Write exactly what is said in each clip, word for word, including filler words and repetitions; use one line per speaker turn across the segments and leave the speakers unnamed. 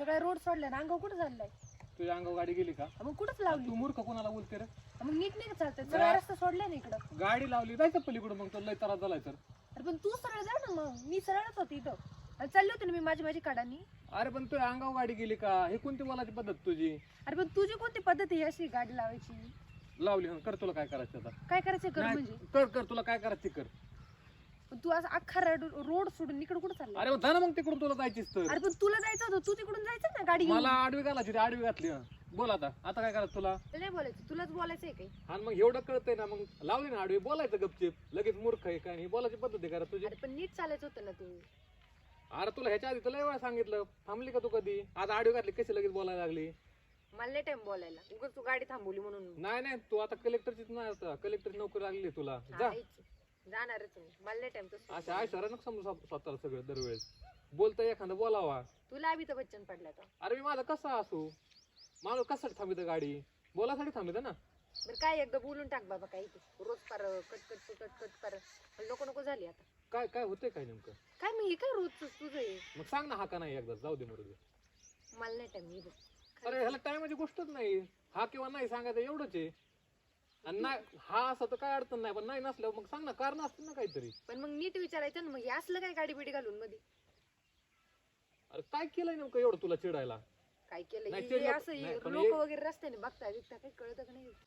काय रोड सोडलाय ना, अंगावर कुठं चाललाय?
तुझ्या अंगावर गाडी गेली का?
मग कुठंच लावली?
तू मूर्ख कोणाला बोलते रे?
मग नीट नाही का चालतंय? सरळ रस्ता सोडलाय ना इकडं.
गाडी लावली जायचं पलीकडून, मग तो लय त्रास झालाय तर.
अरे पण तू सरळ जा ना, मग मी सरळच होती इथं आणि चालले होते ना मी माझी माझी काढानी.
अरे पण तुझ्या अंगावर गाडी गेली का? हे कोणती बोलायची पद्धत तुझी?
अरे पण तुझी कोणती पद्धत आहे अशी गाडी लावायची?
लावली हं, कर तुला काय करायचं आता.
काय करायचं कर
नाही,
म्हणजे?
कर कर तुला काय करायचं ते कर.
पण तू असं अख्खा रोड सोडून इकडे कुठं चालला?
अरे जा ना मग तिकडून, तुला जायचीच तर.
अरे पण तुला जायचं होतं, तू तिकडून जायचं ना गाडी घेऊन.
मला आडवी घालायची होती, आडवी घातली हं. बोल आता आता काय करायचं तुला?
तुला नाही बोलायचं, तुलाच बोलायचंय काही.
आणि मग एवढं कळतंय ना, मग लावली ना आडवी, बोलायचं गपचिप. लगेच मूर्ख आहे काय? ही बोलायची पद्धत आहे का रे तुझी?
अरे पण नीट चालायचं होतं ना तू.
अरे तुला ह्याच्या आधी तुला वेळा सांगितलं, थांबली का तू कधी? आता आडवी घातली कशी लगेच बोलायला लागली?
मला नाही टाइम बोलायला, उगाच तू गाडी थांबवली म्हणून.
नाही नाही, तू आता कलेक्टरचीच नाही, आता कलेक्टरची नोकरी लागली तुला. जा
हायच. जाणारच मी, मला नाही टाइम तसं.
अशा आयशरा नको समजू स्वत- स्वतःला सगळं दरवेळेस. बोलतोय एखादं बोलावा.
तुला अमिताभ बच्चन पडला तर.
अरे मी माझा कसा असू, माणूस कशासाठी थांबित गाडी? बोलासाठी थांबित ना.
बरं काय एकदा बोलून टाक बाबा, काही तू रोज पार कट कट कट कट कर. नको नको झाली आता.
काय काय होतंय काय नेमकं?
काय मग हे काय रोजच तुझं आहे?
मग सांग ना हा का नाही एकदा, जाऊ दे मरू दे.
मला नाही टाइम मी बघ.
अरे ह्याला टायमाची गोष्टच नाही, हा किंवा नाही सांगायचं एवढंच आहे. आणि नाही हा असं तर काय अडचण नाही, पण नाही नसल्यावर मग सांग ना, कारण असतील ना काहीतरी.
पण मग नीट विचारायचं ना, मग हे असलं काय गाडी बिडी घालून मध्ये?
अरे काय केलंय नेमकं एवढं तुला चिडायला?
काय केलं
नाही,
हे
ते लोक-
असं
नाही, पण
लोक
हे-
वगैरे रस्त्याने बघता बिघता काही कळत का नाही?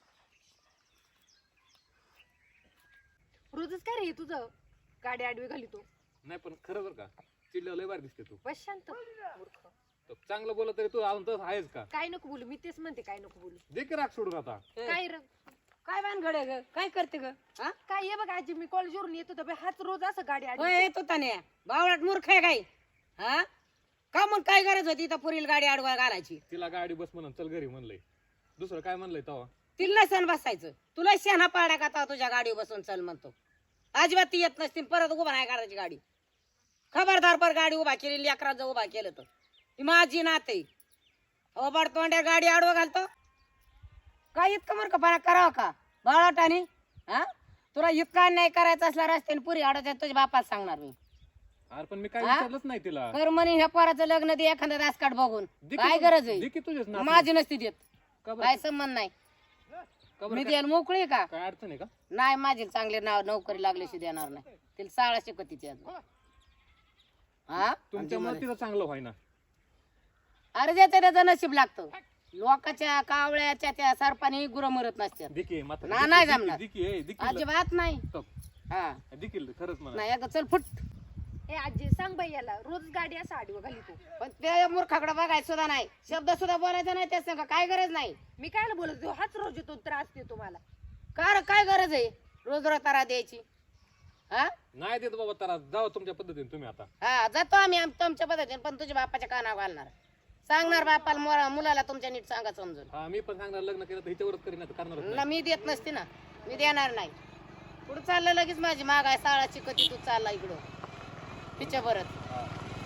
रोजच काय रे हे तुझं, गाडी आडवी घाली तू.
नाही पण खरं बरं का, चिडल्यावर लय बार दिसते तू.
बस शांत मूर्ख.
तर चांगलं बोलत तरी तू अजून तसं आहेस का?
काय नको बोलू, मी तेच म्हणते काय नको बोलू.
दे की राग सोडून आता.
काय र
काय भानगड आहे ग? काय करते ग? हा?
काय हे बघ आजी, मी कॉलेजवरून येत होतो बे, हाच रोज असं गाडी
होय
आडवी.
येत होता ने बावळाट मूर्ख आहे काय? हा का मग काय गरज होती इथं पुरील गाडी आडवा घालायची?
तिला गाडी बस म्हणून चल घरी म्हणलंय, दुसरं काय म्हणलंय तेव्हा?
तिला सण बसायचं, तुला शेणा पाड्या का आता तुझ्या गाडीवर बसून चल म्हणतो. अजिबात ती येत नसती, परत उभा नाही काढायची गाडी. खबरदार पर गाडी उभा केली, लेकरात उभा केलं तर ती माझी नाते. ओबाड तोंड्या गाडी आडवा घालतो काय? इतकं मूर्खपणा करावं का बाळाटाने? हा तुला इतका नाही करायचा असला रस्त्याने पुरी आडवायच्या तुझ्या बापाला सांगणार मी.
अरे पण मी काय
हा?
विचारलंच नाही तिला.
कर म्हणे ह्या पोराचं लग्न दे एखादा रासकाट बघून.
दे की
काय
तू-
गरज
दे
आहे?
की तुझेच नातू.
माझी नसती देत,
का बरं?
काय संबंध नाही.
का बरं?
मी
काय-
द्यायला मोकळी आहे का?
काय अडचण आहे का?
नाही, माझी चांगले नाव नोकरी लागल्याशी देणार नाही. तिला शाळा शिकवतीची अजून. हा
तुमच्यामुळे तिचं चांगलं व्हाय ना.
अरे ज्याचं त्याचं नशीब लागतं. लोकाच्या कावळ्याच्या त्या सरपाने गुरं मरत नसतात.
दिकी मात्र
ना, नाही जमणार.
दिकी ए दिकी
अजिबात नाही. हा
दिकील खरंच म्हणा.
नाही, एकदा चल फुट.
ए आजी सांग बाई याला, रोज गाडी असं आडवी घाली तू.
पण त्या मूर्खाकडे बघायचं सुद्धा नाही, शब्द सुद्धा बोलायचा नाही त्या संग. काय गरज नाही.
मी कायला बोलत होतो, हाच रोज येतो त्रास देतो मला.
का रे, काय गरज आहे रोज रोज तारा द्यायची? हा
नाही देत बाबा, तर जाऊ तुमच्या पद्धतीने तुम्ही आता.
हा जातो आम्ही आम- तुमच्या पद्धतीने, पण तुझ्या बापाच्या कानावर घालणार. सांगणार बापाला मोरा- मुलाला तुमच्या नीट सांगा समजून.
हा मी पण सांगणार, लग्न केलं तर हिच्यावरच करीन, आता करणारच
ना
नाही.
मी देत नसते ना, मी देणार नाही. पुढे चाललं लगेच माझी माग आहे साळाची कधी तू चालला इकडं तिच्या बरत.
हा.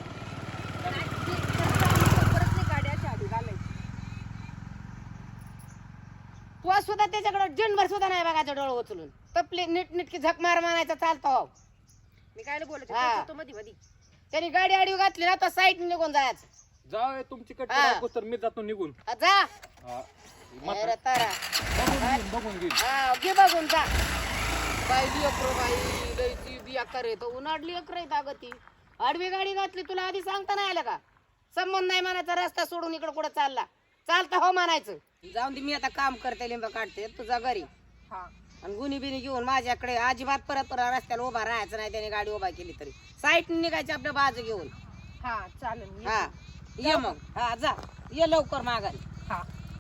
परत नाही गाडी अशी आडवी घालायची.
तू सुद्धा त्याच्याकडे जिनभर सुद्धा नाही बघायचं डोळं उचलून. तपली नीट नीटकी झक मार मारायचा चालतो. हो
मी कायला बोलत
हा.
होतो मध्ये मध्ये.
त्यांनी गाडी आडवी घातली ना तर साईड निघून जायचं.
जाऊ ए, तुमची कट
हा.
करा, तर मी जातो निघून.
हा, जा
हा.
अरे तारा.
बघून घेईन, बघून घेईन.
हा घे बघून जा. बाई लेकरो बाई लयची बिया करे तो उन्हाडली अकर आहे अगं ती. आडवी गाडी घातली तुला आधी सांगता नाही आलं का? संबंध नाही म्हणायचा, रस्ता सोडून इकडं कुठं चालला चालता हो म्हणायचं. जाऊन दे, मी आता काम करते, लिंब काढते तुझा घरी.
हा
आणि गुन्ही बिनी घेऊन माझ्याकडे अजिबात परत परत रस्त्याला उभा राहायचं नाही. त्याने गाडी उभा केली तरी साईट निघायची आपल्या बाजू घेऊन.
हा चालेल मी
हा ये मग. हा जा, ये लवकर माघारी.
हा